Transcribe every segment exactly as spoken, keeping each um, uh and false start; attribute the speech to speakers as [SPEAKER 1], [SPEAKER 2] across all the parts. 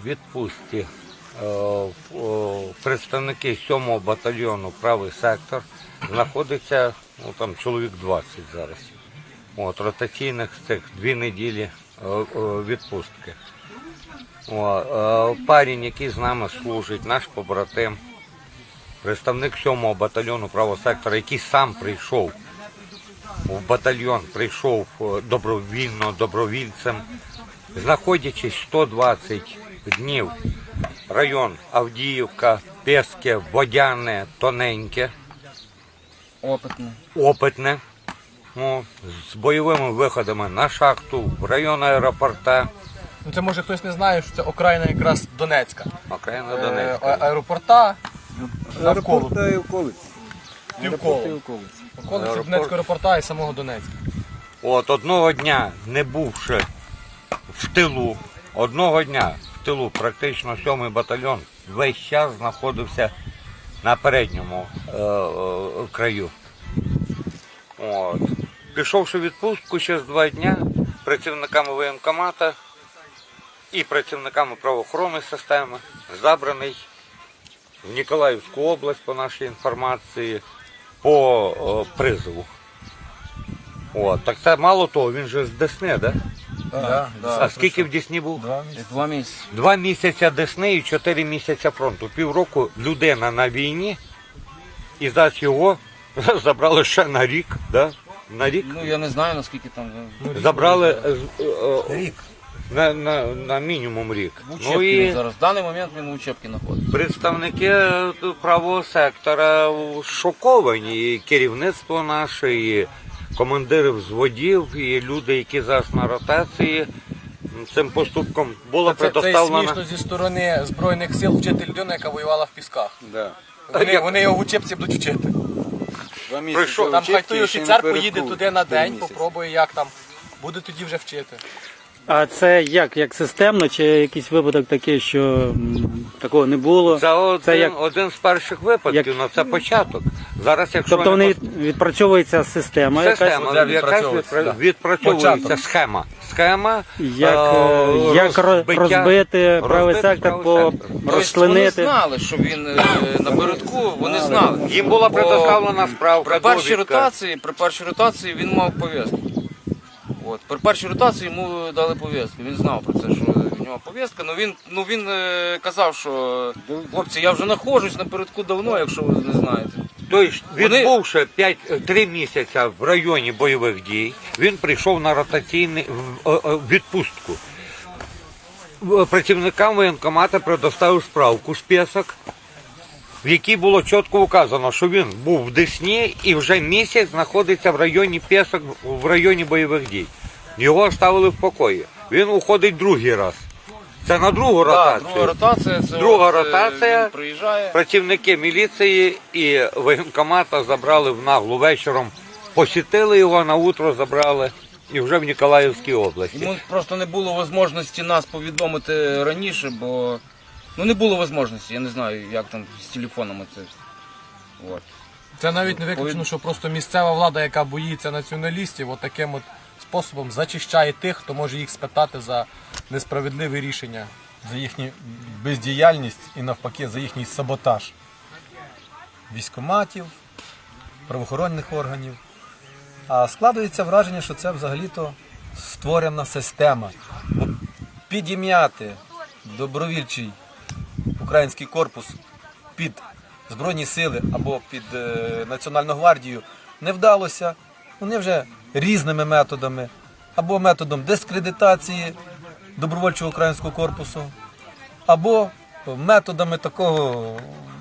[SPEAKER 1] відпустці представники сьомого батальйону «Правий сектор». Знаходиться, ну, там чоловік двадцять зараз. От, ротаційних цих дві неділі відпустки. О, парень, який з нами служить, наш побратим, представник сьомого батальйону «Правого сектора», який сам прийшов в батальйон, прийшов добровільно, добровільцем, знаходячись сто двадцять днів, район Авдіївка, Пєске, Водяне, Тоненьке,
[SPEAKER 2] Опитне.
[SPEAKER 1] Опитне, ну, з бойовими виходами на шахту, в район аеропорта.
[SPEAKER 3] Ну, це може хтось не знає, що це окраїна якраз Донецька.
[SPEAKER 1] Окраїна
[SPEAKER 3] Е,
[SPEAKER 1] Донецька.
[SPEAKER 3] аеропорта навколо.
[SPEAKER 4] Аеропорта і околиць.
[SPEAKER 3] Півколо.
[SPEAKER 4] Аеропорти і околиць.
[SPEAKER 3] Околиці
[SPEAKER 1] Аеропорт.
[SPEAKER 3] Донецького аеропорта і самого Донецька.
[SPEAKER 1] От одного дня, не бувши в тилу, одного дня в тилу практично сьомий батальйон весь час знаходився на передньому е, е, краю. От. Пішовши в відпустку через два дні, працівниками воєнкомата і працівниками правоохоронної системи забраний в Ніколаївську область, по нашій інформації, по о, призову. От. Так це мало того, він же з Десни, да?
[SPEAKER 3] Да,
[SPEAKER 1] А скільки в Десні був?
[SPEAKER 2] Два місяці.
[SPEAKER 1] Два місяці Десни і чотири місяці фронту. Півроку людина на війні, і зараз його забрали ще на рік, да? На рік.
[SPEAKER 2] Ну я не знаю наскільки там.
[SPEAKER 1] Забрали е, е,
[SPEAKER 4] Рік.
[SPEAKER 1] на, на, на мінімум рік.
[SPEAKER 2] В Учебці
[SPEAKER 1] Ну
[SPEAKER 2] він
[SPEAKER 1] і
[SPEAKER 2] зараз. В даний момент він у Учебці знаходиться.
[SPEAKER 1] представники правого сектора шоковані, і керівництво наше, і командири взводів, і люди, які зараз на ротації. Цим поступком була
[SPEAKER 3] Це, це і
[SPEAKER 1] предоставлена.
[SPEAKER 3] смішно зі сторони Збройних сил вчити людину, яка воювала в Пісках.
[SPEAKER 4] Да.
[SPEAKER 3] Вони, вони його в учебці будуть вчити.
[SPEAKER 4] Два місяці
[SPEAKER 1] Прийшов.
[SPEAKER 3] Там хай
[SPEAKER 4] учебки
[SPEAKER 3] той
[SPEAKER 4] і ще
[SPEAKER 3] офіцер
[SPEAKER 4] напередку
[SPEAKER 3] поїде туди на
[SPEAKER 4] три
[SPEAKER 3] день,
[SPEAKER 4] місяці.
[SPEAKER 3] попробує, як там. Буде тоді вже вчити.
[SPEAKER 5] А це як? Як системно, чи якийсь випадок такий, що м, такого не було?
[SPEAKER 1] Це один,
[SPEAKER 5] Це як-
[SPEAKER 1] один з перших випадків,
[SPEAKER 5] як-
[SPEAKER 1] але це початок. Зараз, якщо
[SPEAKER 5] Тобто
[SPEAKER 1] не
[SPEAKER 5] вони
[SPEAKER 1] пос-
[SPEAKER 5] від- відпрацьовується система, якась,
[SPEAKER 1] система,
[SPEAKER 3] Вже
[SPEAKER 1] якась
[SPEAKER 3] відпрацьовується,
[SPEAKER 1] відпра-
[SPEAKER 3] да.
[SPEAKER 1] відпрацьовується
[SPEAKER 3] Початок.
[SPEAKER 1] схема. Схема,
[SPEAKER 5] як,
[SPEAKER 1] е,
[SPEAKER 5] е, як ро-
[SPEAKER 1] розбиття-
[SPEAKER 5] розбити правий
[SPEAKER 1] розбити
[SPEAKER 5] сектор,
[SPEAKER 1] правий
[SPEAKER 5] по
[SPEAKER 1] сектор.
[SPEAKER 2] Тобто вони
[SPEAKER 5] розчленити.
[SPEAKER 2] знали, що він е, напередку, вони знали.
[SPEAKER 1] Їм була
[SPEAKER 2] Бо
[SPEAKER 1] предоставлена справка,
[SPEAKER 2] При першій
[SPEAKER 1] довідка.
[SPEAKER 2] ротації, при першій ротації він мав пов'язку. От. При першій ротації йому дали пов'язку. Він знав про це, що в нього пов'язка. Ну він, ну, він е, казав, що хлопці, я вже знаходжусь напередку давно, якщо ви не знаєте.
[SPEAKER 1] Тобто,
[SPEAKER 2] Вони-
[SPEAKER 1] відбувши три місяці в районі бойових дій, він прийшов на ротаційний в- е, е, відпустку. В- Працівникам воєнкомата предоставив справку з Пєсок, в якій було чітко вказано, що він був в Десні і вже місяць знаходиться в районі Пєсок, в районі бойових дій. Його оставили в покої. Він уходить другий раз. Це на другу
[SPEAKER 2] Так,
[SPEAKER 1] ротацію.
[SPEAKER 2] друга ротація, це
[SPEAKER 1] Друга
[SPEAKER 2] от, е,
[SPEAKER 1] ротація.
[SPEAKER 2] він приїжджає.
[SPEAKER 1] Працівники міліції і воєнкомата забрали в наглу вечором, посітили його, на утро забрали і вже в Ніколаївській області.
[SPEAKER 2] Йому просто не було можливості нас повідомити раніше, бо ну не було можливості, я не знаю, як там з телефонами це. От.
[SPEAKER 3] Це навіть не виключено, що просто місцева влада, яка боїться націоналістів, от таким от способом зачищає тих, хто може їх спитати за несправедливі рішення.
[SPEAKER 6] За їхню бездіяльність і навпаки за їхній саботаж військкоматів, правоохоронних органів. А складається враження, що це взагалі-то створена система. Бо підім'яти добровільчий український корпус під Збройні сили або під е, Національну гвардію не вдалося. Вони вже різними методами, або методом дискредитації добровольчого українського корпусу, або методами такого,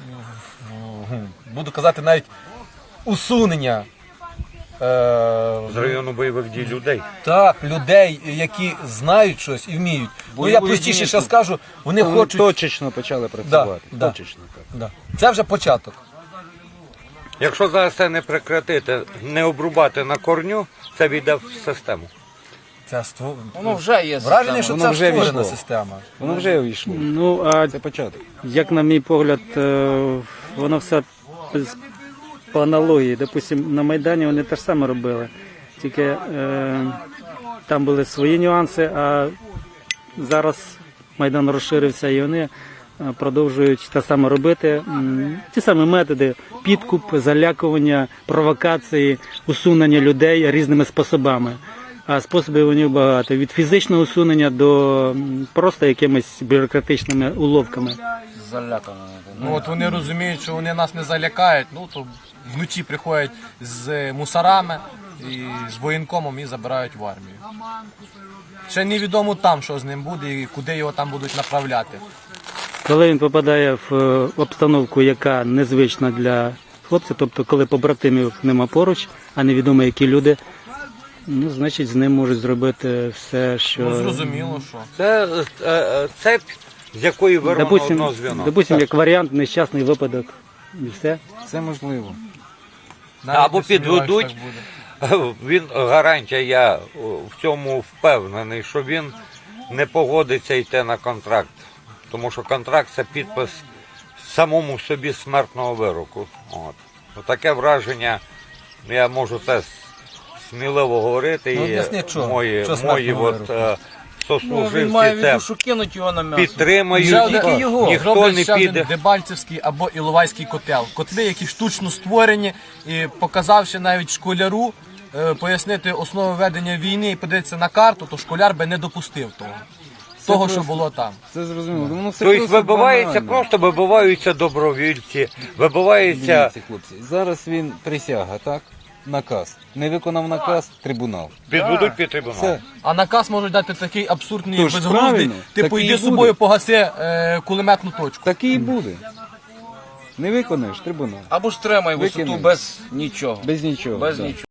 [SPEAKER 6] буду казати, навіть усунення е,
[SPEAKER 1] З району бойових дій людей.
[SPEAKER 6] так, людей, які знають щось і вміють. Ну я
[SPEAKER 2] Бойової
[SPEAKER 6] простіше ще
[SPEAKER 2] единиці.
[SPEAKER 6] скажу, вони
[SPEAKER 5] Вони
[SPEAKER 6] хочуть.
[SPEAKER 5] точечно почали працювати.
[SPEAKER 6] Да, да.
[SPEAKER 5] Точечно, так.
[SPEAKER 6] Да. Це вже початок.
[SPEAKER 1] Якщо зараз це не прекратити, не обрубати на корню, це війде в систему.
[SPEAKER 6] Це ство...
[SPEAKER 2] Воно вже є
[SPEAKER 6] Враження,
[SPEAKER 2] система.
[SPEAKER 6] що
[SPEAKER 5] Воно
[SPEAKER 6] це
[SPEAKER 5] вже
[SPEAKER 6] створена
[SPEAKER 5] війшло.
[SPEAKER 6] система.
[SPEAKER 5] Воно вже увійшло. Ну, а
[SPEAKER 4] Це початок.
[SPEAKER 5] як на мій погляд, е, воно все з- по аналогії. Допустим, на Майдані вони те ж саме робили. Тільки е, там були свої нюанси, а зараз Майдан розширився, і вони е, продовжують те саме робити. М, Ті самі методи: підкуп, залякування, провокації, усунення людей різними способами. А способів у них багато. Від фізичного усунення до м, просто якимись бюрократичними уловками.
[SPEAKER 2] Залякано.
[SPEAKER 3] Ну от вони розуміють, що вони нас не залякають, ну то вночі приходять з мусорами і з воєнкомом і забирають в армію. Ще невідомо там, що з ним буде і куди його там будуть направляти.
[SPEAKER 5] Коли він попадає в е, обстановку, яка незвична для хлопця, тобто коли побратимів нема поруч, а невідомо які люди, ну, значить з ним можуть зробити все, що...
[SPEAKER 3] Ну зрозуміло, що.
[SPEAKER 1] Це е, е, цепь, з якої вирвано одно
[SPEAKER 5] Допустим,
[SPEAKER 1] звіно.
[SPEAKER 5] допустим, як варіант, нещасний випадок. І все.
[SPEAKER 4] Це можливо.
[SPEAKER 3] Навіть
[SPEAKER 1] Або
[SPEAKER 3] не сумніваюсь,
[SPEAKER 1] підведуть.
[SPEAKER 3] що так буде.
[SPEAKER 1] Він гарантія, я в цьому впевнений, що він не погодиться йти на контракт. Тому що контракт це підпис самому собі смертного вироку. От. Таке враження, я можу це сміливо говорити,
[SPEAKER 4] Ну,
[SPEAKER 1] і
[SPEAKER 4] об'ясніть, що?
[SPEAKER 1] мої,
[SPEAKER 4] Що
[SPEAKER 1] мої
[SPEAKER 4] смертного
[SPEAKER 1] от,
[SPEAKER 4] вироку?
[SPEAKER 1] е,
[SPEAKER 2] Ну, він
[SPEAKER 1] сослуживці
[SPEAKER 2] має в
[SPEAKER 1] це
[SPEAKER 2] виду, що кинуть його на м'ясо.
[SPEAKER 1] підтримують.
[SPEAKER 3] Ще один-
[SPEAKER 2] Тільки його.
[SPEAKER 1] Ніхто
[SPEAKER 3] Зроблять
[SPEAKER 1] не
[SPEAKER 3] ще один
[SPEAKER 1] піде.
[SPEAKER 3] Дебальцевський або Іловайський котел. Котли, які штучно створені, і показавши навіть школяру, е, пояснити основи ведення війни і подивитися на карту, то школяр би не допустив того. Того, що було там.
[SPEAKER 4] Це зрозуміло. Воно все
[SPEAKER 1] Тобто
[SPEAKER 4] просто
[SPEAKER 1] вибивається,
[SPEAKER 4] банально.
[SPEAKER 1] просто вибиваються добровільці, вибивається.
[SPEAKER 4] Дивіться, хлопці, зараз він присяга, так? Наказ. Не виконав наказ, трибунал.
[SPEAKER 1] Підведуть під трибунал.
[SPEAKER 4] Все.
[SPEAKER 3] А наказ можуть дати такий абсурдний,
[SPEAKER 4] Тож,
[SPEAKER 3] безглуздий,
[SPEAKER 4] правильно,
[SPEAKER 3] типу
[SPEAKER 4] так і
[SPEAKER 3] йди з
[SPEAKER 4] буде.
[SPEAKER 3] собою погаси е, кулеметну точку.
[SPEAKER 4] Так і буде. Не виконаєш, трибунал.
[SPEAKER 2] Або ж тримай висоту
[SPEAKER 4] Викинуть.
[SPEAKER 2] без нічого.
[SPEAKER 4] Без нічого.
[SPEAKER 2] Без
[SPEAKER 4] да.
[SPEAKER 2] нічого.